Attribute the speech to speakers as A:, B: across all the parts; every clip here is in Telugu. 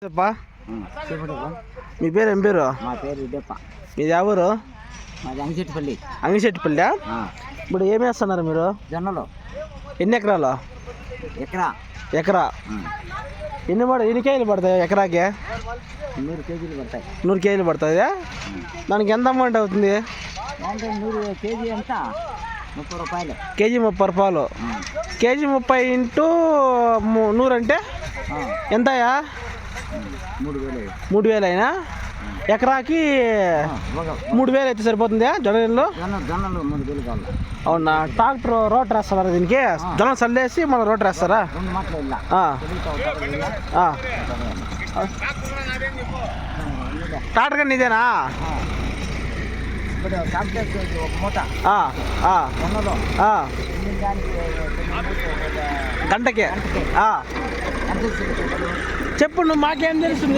A: మీ పేరు ఏం పేరు?
B: మా పేరు రెడ్డప్ప.
A: మీది ఎవరు?
B: మాది అంగిశెట్టిపల్లి.
A: అంగిశెట్టిపల్లి. ఇప్పుడు ఏం వేస్తున్నారు మీరు?
B: జొన్నలు.
A: ఎన్ని ఎకరాలు? ఎకరా. ఎన్ని కేజీలు పడతాయి ఎకరాకి?
B: 100 కేజీలు పడతాయి.
A: 100 కేజీలు పడుతుంది. దానికి ఎంత అమౌంట్ అవుతుంది?
B: అంటే 100 కేజీ ఎంత? 30 రూపాయలు.
A: కేజీ 30 రూపాయలు. కేజీ 30 ఇంటూ 100 అంటే ఎంతయా? 3,000 అయినా ఎకరాకి 3,000 అయితే సరిపోతుంది. జొన్నలు
B: 3,000 కావాలి.
A: అవునా? ట్రాక్టర్ రోటర్ వేస్తారా దీనికి? జొన్న చల్లేసి మన రోటర్ వేస్తారా? ట్రాక్టర్ కానీ ఇదేనా? గంటకి చెప్పు. నువ్వు మాకేం తెలుస్తుంది?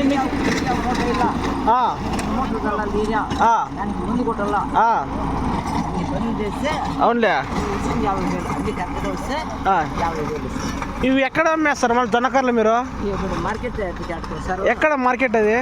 A: అవునులే. ఇవి ఎక్కడ అమ్మేస్తారు మళ్ళీ జొన్నకర్రలు మీరు? ఎక్కడ మార్కెట్ అది?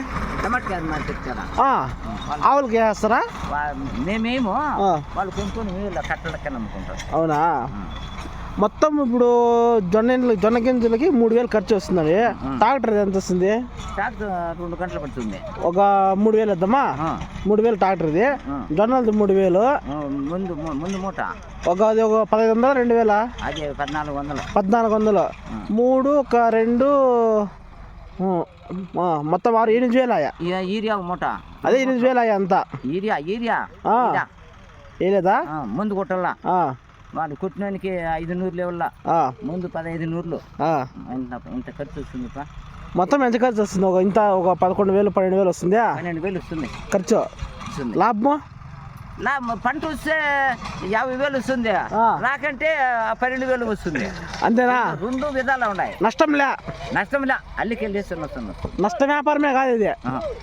A: ఆవులకి వేస్తారా?
B: మేమేమో వాళ్ళు కొనుక్కొని కట్టలకి అమ్ముకుంటారు.
A: అవునా? మొత్తం ఇప్పుడు జొన్న గింజలకి 3,000 ఖర్చు వస్తుంది. ట్రాక్టర్ ఎంత వస్తుంది?
B: ట్రాక్టర్ 2 గంటలు పడుతుంది.
A: ఒక 3,000 వద్దామా? 3,000 ట్రాక్టర్ది. జొన్నలది 3,000.
B: ముందు మూట
A: అది ఒక 1,500 2,000?
B: అది 1,400.
A: 1,400. 3 ఒక 2 మొత్తం 8,000 ఆయా.
B: ఈరియా మూట
A: అదే 8,000 ఆయా అంతా.
B: ఈరియా
A: వేయలేదా?
B: ముందు కొట్టల్లా వాళ్ళు కుట్టినానికి 500 లెవెల్లా. ముందు 1500. ఇంత ఖర్చు వస్తుంది.
A: మొత్తం ఎంత ఖర్చు వస్తుంది? ఒక 11,000 12,000 వస్తుంది.
B: 12,000 వస్తుంది ఖర్చు.
A: లాభం
B: పంట వస్తే 50,000 వస్తుంది. నాకంటే 12,000 వస్తుంది.
A: అంతేనా?
B: 2 విధాలు ఉన్నాయి.
A: నష్టంలే
B: అల్లికి వెళ్ళేస్తున్నా.
A: నష్ట వ్యాపారమే కాదు ఇది.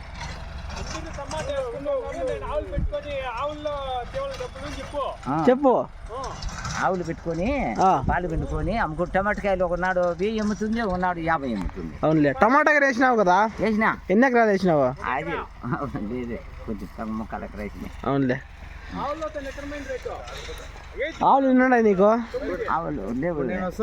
A: చెప్పు.
B: ఆవులు పెట్టుకొని పాలు పెట్టుకొని అమ్ముకుంటు టమాటకాయలు ఒకనాడు 1000 అమ్ముతుంది, ఒకనాడు 50 అమ్ముతుంది.
A: అవునులే. టమాటా వేసినావు కదా?
B: వేసినా.
A: ఎన్ని ఎకరాలు వేసినావు?
B: అది కొంచెం ముక్కలు ఎకరా వేసినాయి.
A: అవునులే. ఆవులు ఉన్నాయి నీకు?
B: ఆవులు లేవు.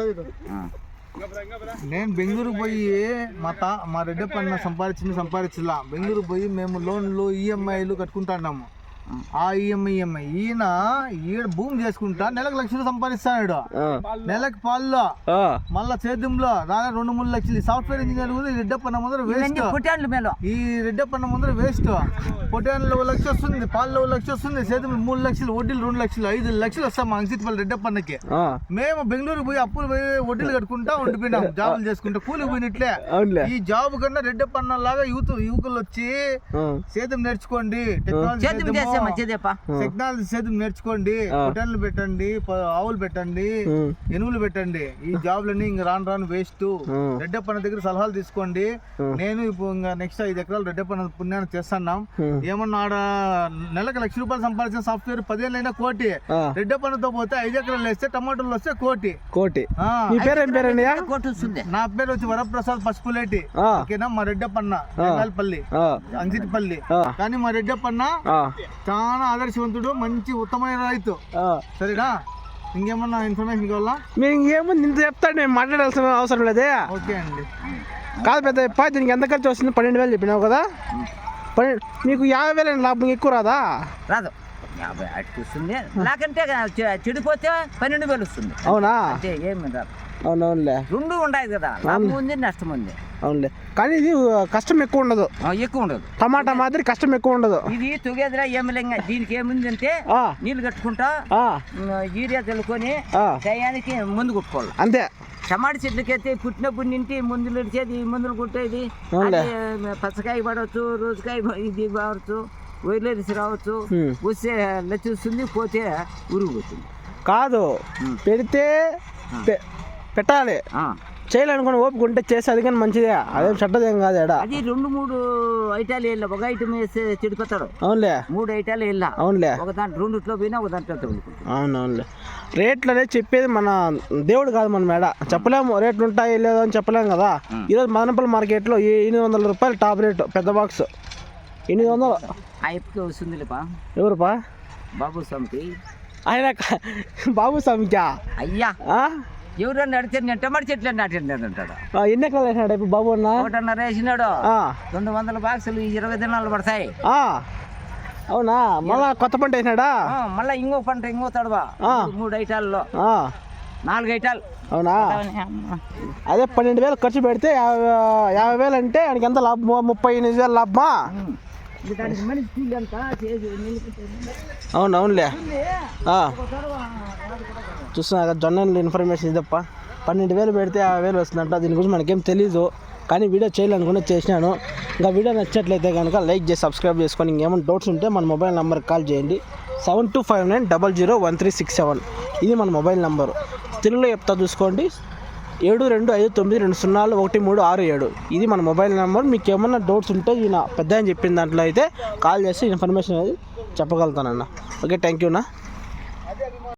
C: నేను బెంగళూరు పోయి మా రెడ్డప్పన్న సంపాదించలా. బెంగళూరు పోయి మేము లోన్లు ఈఎంఐలు కట్టుకుంటున్నాము. ఆ ఈఎంఐ ఈయన భూమి చేసుకుంటా నెలకు 1,00,000 సంపాదిస్తాడు. నెలకు పాల్లో మళ్ళా సేద్యంలో దాదాపు 2-3 లక్షలు. సాఫ్ట్వేర్ ఇంజనీర్ కూడా ఈ రెడ్డప్పన్న ముందర వేస్ట్. ఈ రెడ్డప్పన్న ముందర వేస్ట్. పొటాన్లో 1 లక్ష వస్తుంది, పాల్లో 1 లక్ష వస్తుంది, సేద్యంలో 3 లక్షలు, వడ్డీలు 2 లక్షలు, 5 లక్షలు వస్తాం మా అంగిశెట్టిపల్లి రెడ్డప్పన్నకి. మేము బెంగళూరు పోయి అప్పులు పోయి వడ్డీలు కట్టుకుంటా ఉండిపోయినాం. జాబులు చేసుకుంటా కూలికి పోయినట్లే. ఈ జాబ్ కన్నా రెడ్డప్పన్న లాగా యువకులు వచ్చి సేద్యం నేర్చుకోండి, టెక్నాలజీ సేద్యం నేర్చుకోండి, పొటాన్లు పెట్టండి, ఆవులు పెట్టండి, ఎనువులు పెట్టండి. ఈ జాబ్లన్నీ ఇంక రాను వేస్ట్. రెడ్డప్పన్న దగ్గర సలహాలు తీసుకోండి. నేను ఇప్పుడు ఇంకా నెక్స్ట్ 5 ఎకరాలు రెడ్డప్పన్న పుణ్యాన్ని చేస్తున్నాం. ఏమన్నా ఆడ నెలకు 1,00,000 రూపాయలు సంపాదించిన సాఫ్ట్వేర్ 10 ఏళ్ళైనా కోటి. రెడ్డప్పన్నతో పోతే 5 ఎకరాలు వేస్తే టమాటోలు వస్తే కోటి. నా పేరు వచ్చి వరప్రసాద్ పసుపులేటి. ఓకేనా? మా రెడ్డప్పన్న రంగాలపల్లి అంగిశెట్టిపల్లి. కానీ మా రెడ్డప్పన్న చాలా ఆదర్శవంతుడు, మంచి ఉత్తమైన రైతు. సరేనా? ఇంకేమన్నా ఇన్ఫర్మేషన్ కావాలా?
A: మీరు ఇంకేముంది ఇంత చెప్తాడు, నేను మాట్లాడాల్సిన అవసరం లేదే.
C: ఓకే అండి.
A: కాదు పెద్ద దీనికి ఎంత ఖర్చు వస్తుంది? 12,000 చెప్పినావు కదా? మీకు 50,000 లాభం ఎక్కువ రాదా?
B: రాదు. 50 అటు వస్తుంది. నాకంటే చెడిపోతే 12,000 వస్తుంది.
A: అవునా?
B: అంటే ఏమి రాదు.
A: అవునవునులే.
B: 2 ఉన్నాయి కదా, లాభం ఉంది నష్టం ఉంది.
A: అవునులే. కానీ ఇది కష్టం ఎక్కువ ఉండదు. టమాటా మాదిరి కష్టం ఎక్కువ ఉండదు.
B: ఇది తుగేదిరా ఏమిలేంగా. దీనికి ఏముంది అంటే నీళ్ళు కట్టుకుంటా యూరియా చల్లుకొని టయానికి మందు కొట్టుకోవాలి అంతే. టమాటా చెట్లకైతే పుట్టినప్పుడు నింటి మందులు ఇచ్చేది, మందులు కొట్టేది. పచ్చకాయ పడవచ్చు, రోజుకాయ ఇది కావచ్చు, వైర్లెస్ రావచ్చు. వస్తే లచ్చి వస్తుంది, పోతే ఉరుగు పోతుంది.
A: కాదు పెడితే పెట్టాలి. చేయాలనుకుని ఓపిక ఉంటే చేసి అది కానీ మంచిదే, అదేం చెడ్డదేం కాదు ఎడా.
B: అది 2-3 ఐటాలు వెళ్ళా, ఒక ఐటమ్ వేస్తే చెడిపోతాడు.
A: అవునులే
B: 3 ఐటాలు వెళ్ళా.
A: అవునులే
B: ఒక దాంట్లో 2 పోయినా ఒక దాంట్లో తగులుకుంటాం.
A: అవునవునులే. రేట్లు అనేది చెప్పేది మన దేవుడు కాదు మన మేడ, చెప్పలేము రేట్లు ఉంటాయి లేదో అని చెప్పలేము కదా. ఈరోజు మదనపల్లి మార్కెట్లో 800 రూపాయలు టాప్ రేటు, పెద్ద బాక్స్ 800.
B: ఆ ఎప్పుకి వస్తుందిలేపా.
A: ఎవరుపా?
B: బాబు స్వామికి.
A: ఆయన బాబు స్వామికా?
B: అయ్యా ఎవరన్నా అడితే నేను టమాటా చెట్లు నాటినాడు అంటాడు.
A: ఎన్ని ఎకరాలు వేసినాడు ఇప్పుడు బాబు అన్న?
B: 1.5 వేసినాడు. 200 బాక్సులు 20 దినాలు పడతాయి.
A: అవునా? మళ్ళా కొత్త పంట వేసినాడా?
B: మళ్ళీ ఇంకో పంట ఇంకో తడవా 3 ఐటాల్లో 4 ఐటాలు.
A: అవునా? అదే 12,000 ఖర్చు పెడితే 50,000 అంటే ఆయనకి ఎంత లాభమా? 38,000 లాభమా? అవునవునులే. చూస్తున్నా కదా జొన్న ఇన్ఫర్మేషన్ ఇదప్ప. 12,000 పెడితే 50,000 వస్తుందంట. దీని గురించి మనకేం తెలీదు, కానీ వీడియో చేయాలనుకుని చేసినాను. ఇంకా వీడియో నచ్చినట్లయితే కనుక లైక్ చేసి సబ్స్క్రైబ్ చేసుకొని, ఇంకేమైనా డౌట్స్ ఉంటే మన మొబైల్ నెంబర్కి కాల్ చేయండి. 7259001367. ఇది మన మొబైల్ నెంబరు. తెలుగులో చెప్తా చూసుకోండి, 7259201367. ఇది మన మొబైల్ నెంబర్. మీకు ఏమన్నా డౌట్స్ ఉంటే ఈయన పెద్ద అని చెప్పిన దాంట్లో అయితే కాల్ చేసి ఇన్ఫర్మేషన్ అనేది చెప్పగలుగుతానన్న. Okay, thank యూనా.